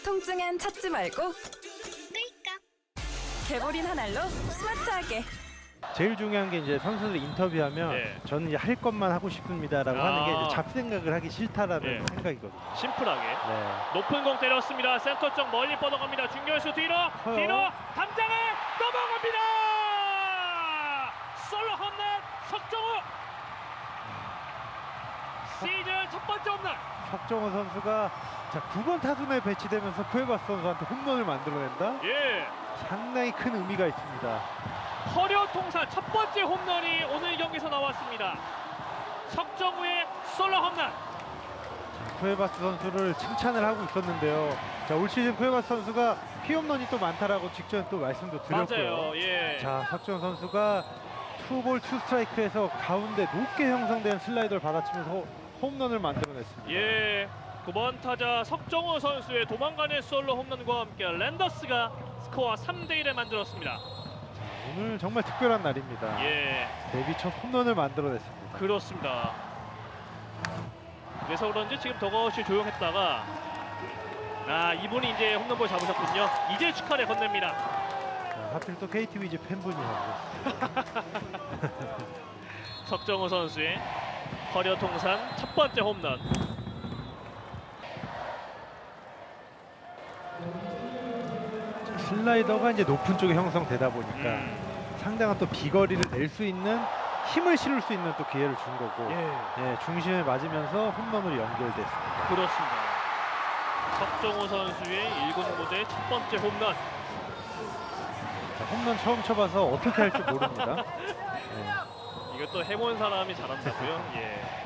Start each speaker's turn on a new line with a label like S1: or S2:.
S1: 통증엔 찾지 말고 끌까. 개보린 한 알로 스마트하게.
S2: 제일 중요한 게 이제 선수들 인터뷰하면
S3: 네.
S2: 저는 이제 할 것만 하고 싶습니다라고 하는 게 이제
S3: 아.
S2: 잡생각을 하기 싫다라는
S3: 네.
S2: 생각이거든요.
S3: 심플하게
S2: 네.
S3: 높은 공 때렸습니다. 센터 쪽 멀리 뻗어갑니다. 중견수 뒤로 담장을 넘어갑니다. 솔로 홈런 석정우 시즌 첫 번째 홈런.
S2: 석정호 선수가 자 9번 타순에 배치되면서 쿠에바스 선수한테 홈런을 만들어낸다?
S3: 예,
S2: 상당히 큰 의미가 있습니다.
S3: 커리어 통산 첫 번째 홈런이 오늘 경기에서 나왔습니다. 석정우의 솔로 홈런.
S2: 쿠에바스 선수를 칭찬을 하고 있었는데요. 자, 올 시즌 쿠에바스 선수가 피홈런이 또 많다라고 직전에 또 말씀도 드렸고요.
S3: 맞아요. 예.
S2: 자, 석정 선수가 투볼 투스트라이크에서 가운데 높게 형성된 슬라이더를 받아치면서 홈런을 만들어냈습니다.
S3: 예. 9번 타자 석정우 선수의 도망가는 솔로 홈런과 함께 랜더스가 스코어 3대1을 만들었습니다.
S2: 오늘 정말 특별한 날입니다.
S3: 예.
S2: 데뷔 첫 홈런을 만들어냈습니다.
S3: 그렇습니다. 그래서 그런지 지금 더가웃이 조용했다가 이분이 이제 홈런볼 잡으셨군요. 이제 축하를 건넵니다.
S2: 자, 하필 또 KT 위즈 팬분이 하고
S3: 석정우 선수의 커리어 통산 첫 번째 홈런.
S2: 슬라이더가 이제 높은 쪽에 형성되다 보니까 상당한 또 비거리를 낼 수 있는 힘을 실을 수 있는 또 기회를 준 거고 예, 중심에 맞으면서 홈런으로 연결됐습니다.
S3: 그렇습니다. 석정우 선수의 1군 무대 첫 번째 홈런.
S2: 자, 홈런 처음 쳐봐서 어떻게 할지 모릅니다. 예.
S3: 이것도 해본 사람이 잘한다고요? 예.